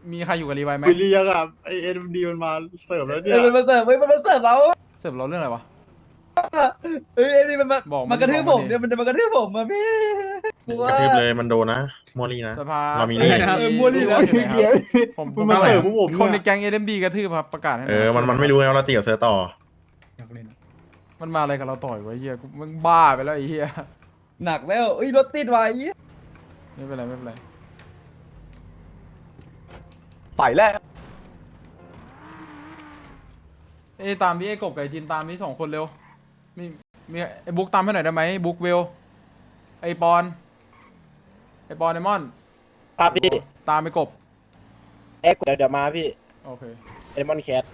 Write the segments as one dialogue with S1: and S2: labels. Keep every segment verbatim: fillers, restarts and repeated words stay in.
S1: มีใครอยู่กับรีไวไหม
S2: คุยเรียกอะไอเอ็มดีมันมาเสิร์ฟแล้วเนี่
S3: เอย อมันมาเสิร์ฟเฮ้ยมันมาเสิร์ฟเรา
S1: เสิร์ฟเราเรื่องอะไรวะ
S3: เฮ้ยไอ้นี่มันมา
S1: บอกมัน
S3: มากระทืบ
S1: บอก
S3: ผ
S1: มัน
S3: ม
S1: ดิ
S3: เนี่ยมันจะมากระทืบผมมาพี่กลัว
S4: กระทืบเลยมันโดนนะมัวรีนะ
S1: สภา
S4: เรามี
S1: เอ้ย
S3: เออมัวรีนะ
S1: อยู่ไหนครับผม
S2: มันมาเสิร์ฟพวกผม
S1: คนใน
S2: เนี่ย
S1: แก๊งเอ็มดีกระทืบครับประกาศให้ห
S4: เอ
S1: น่ย
S4: อมันมันไม่รู้ไงว่าเราตีกับเซอร์ต่อ
S3: อยากเล่น
S1: มันมาอะไรกับเราต่อยวะไอ้เฮียกูมึงบ้าไปแล้วไอ้เฮีย
S3: หนักแล้วเอ้ยรถติดว่ะไอ้เหี้ย
S1: ไม่เป็นไรไม่เป็นไร
S3: ไปแล้ว
S1: เอ้ยตามพี่ไอ้กบกับไอ้จินตามนี้สองคนเร็วมีมีไอ้บุ๊กตามให้หน่อยได้ไหมบุ๊กเวลไอ้ปอนไอ้ปอนไอ้มอน
S5: ครับพี่
S1: ตามไอ้กบ
S5: เอ็กเดี๋ยวเดี๋ยวมาพี่
S1: โอเค
S5: เอมอนแคท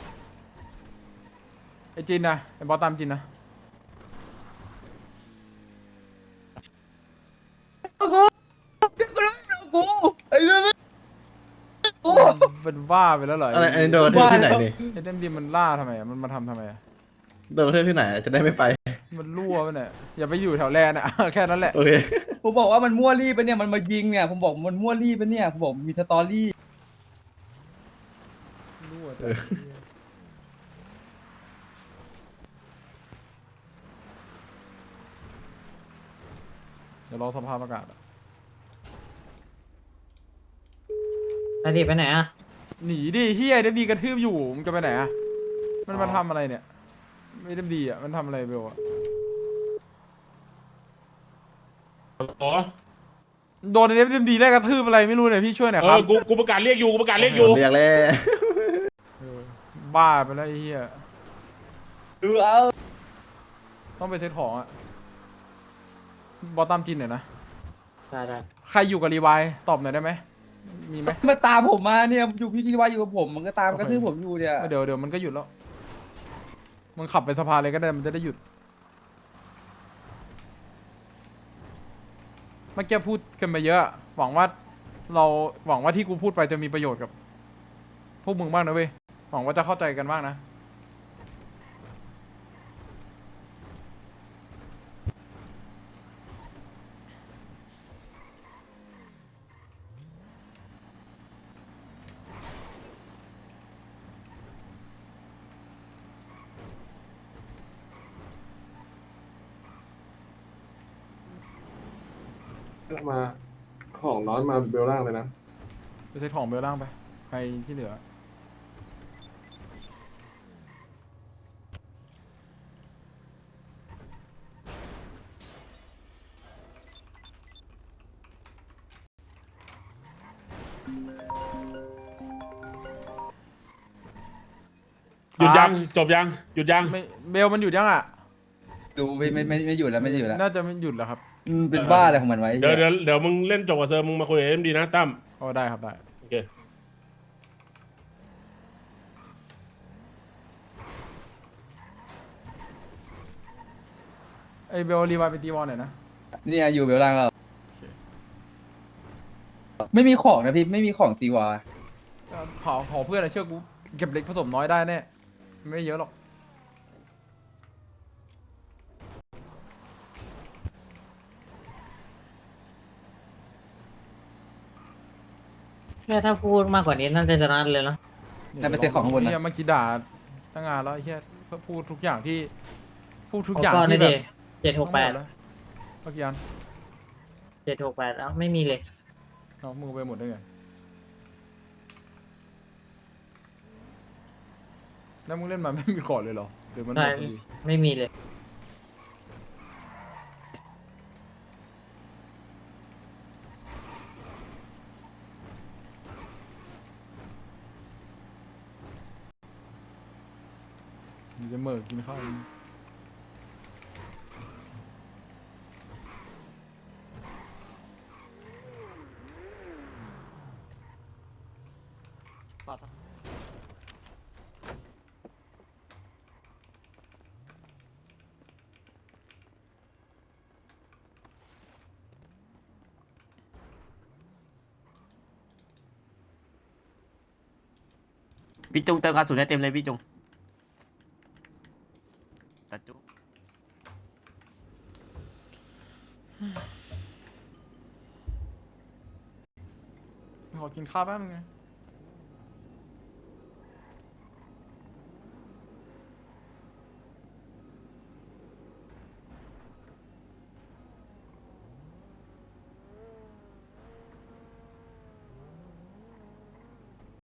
S1: ไอ้จินนะไอ้บอสตามจินนะ
S3: กูกูกูไอ้เรื่องกู
S1: เป็นบ้าไปแล้วเหรอ
S4: อะไรอันนี้โดนกระทืบที่ไหนนี่
S1: ไอ้เอ็มดีมันล่าทำไมอะมันมาทำทำไมอะ
S4: โดนกระทืบที่ไหนจะได้ไม่ไป
S1: มันรั่วไปเนี่ยอย่าไปอยู่แถวแลนด์อะ แค่นั้นแหละ
S4: โอเค
S3: ผมบอกว่ามันมั่วรี่ไปะเนี่ยมันมายิงเนี่ยผมบอกมันมั่วรี่ไปะเนี่ยผมบอกมีสตอรี่
S1: รั่วแต่เดี๋ยวรอสภาประกาศอะ
S6: นาทีไปไหนอ่ะ
S1: หนีดิเฮียเอ็มดีกระทืบอยู่มึงจะไปไหนอะมันมาทำอะไรเนี่ยไม่เอ็มดีอะมันทำอะไรเบลอะ
S7: อ๋อ
S1: โดนเอ็มดีแรกกระทืบอะไรไม่รู้เนี่ยพี่ช่วยหน่อย
S7: เอ
S1: ครั
S7: อบ กูกูประกาศเรียกอยู่กูประกาศเรียกอยู่
S4: เรียกแล้ว
S1: เออบ้าไปแล้วไอ้เหี้ย
S3: ดูเอา
S1: ต้องไปเซ็ตของอะบอสตามจินหน่อยนะ
S6: ได้ได้
S1: ใครอยู่กับรีไวท์ตอบหน่อยได้ไหมมีไหม
S3: มาตามผมมาเนี่ยอยู่พี่ที่ว่าอยู่กับผมมันก็ตาม
S1: โอเค
S3: กระทืบผมอยู่เนี่ย
S1: เดี๋ยวเดี๋ยวมันก็หยุดแล้วมึงขับไปสภาเลยก็ได้มันจะได้หยุดเมื่อกี้พูดกันไปเยอะ หวังว่าเราหวังว่าที่กูพูดไปจะมีประโยชน์กับพวกมึงบ้างนะเว้ยหวังว่าจะเข้าใจกันบ้างนะ
S8: มาของน้อนมาเบลล่างเลยนะ
S1: ไปเซ็ตของเบลล่างไปใครที่เหลือ
S7: หยุดยังจบยังหยุดยัง
S1: ไม่เบลมันหยุดยังอ่ะ
S3: ดูไม่ไม่ไม่ไม่อยู่แล้วไม่อยู่แล้ว
S1: น่าจะไม่หยุดแล้วครับ
S3: อืมเป็นบ้าอะไรของมันไว้
S7: เดี๋ยวเดี๋ยวเดี๋ยวมึงเล่นจบกับเซอร์มึงมาคุยกับเอ็มดีนะตั้ม
S1: โอ้ได้ครับได้
S7: โอเค
S1: ไอเบลรีไวท์ไปตีวอลหน่อยนะ
S3: เนี่ยอยู่เบลล่างเราไม่มีของนะพี่ไม่มีของตีวา
S1: ขอขอเพื่อนอะเชื่อกูเก็บเล็กผสมน้อยได้แน่ไม่เยอะหรอก
S6: แค่ถ้าพูดมากกว่านี้น่าจะชนะเลยเนาะ
S3: นั่นเป็นเซ็ตของข้างบนนะ
S1: เฮียเมื่อกี้ด่าตั้งงานแล้วไอ้เฮียก็พูดทุกอย่างที่ พูดทุกอย่าง
S6: เก่อน
S1: ที่
S6: นี่
S1: แบ
S6: ดิ
S1: บ
S6: เจ็ดหกแปด
S1: ทั้งมแล้วเมื่อกี้อัน
S6: เจ็ดหกแปดเอ้าไม่มีเลย
S1: เอามึงไปหมดได้ไงแล้วมึงเล่นมาไม่มีก่อนเลยเหรอหรือมันหม
S6: ได้
S1: ดพอดี
S6: ไม่มีเลย
S1: มึงจะเหมื่อกินข้าว
S5: พี่จุงเติมกระสุนให้เต็มเลยพี่จุงตัดจุง
S1: ขอกินข้าวแป๊บนึงไง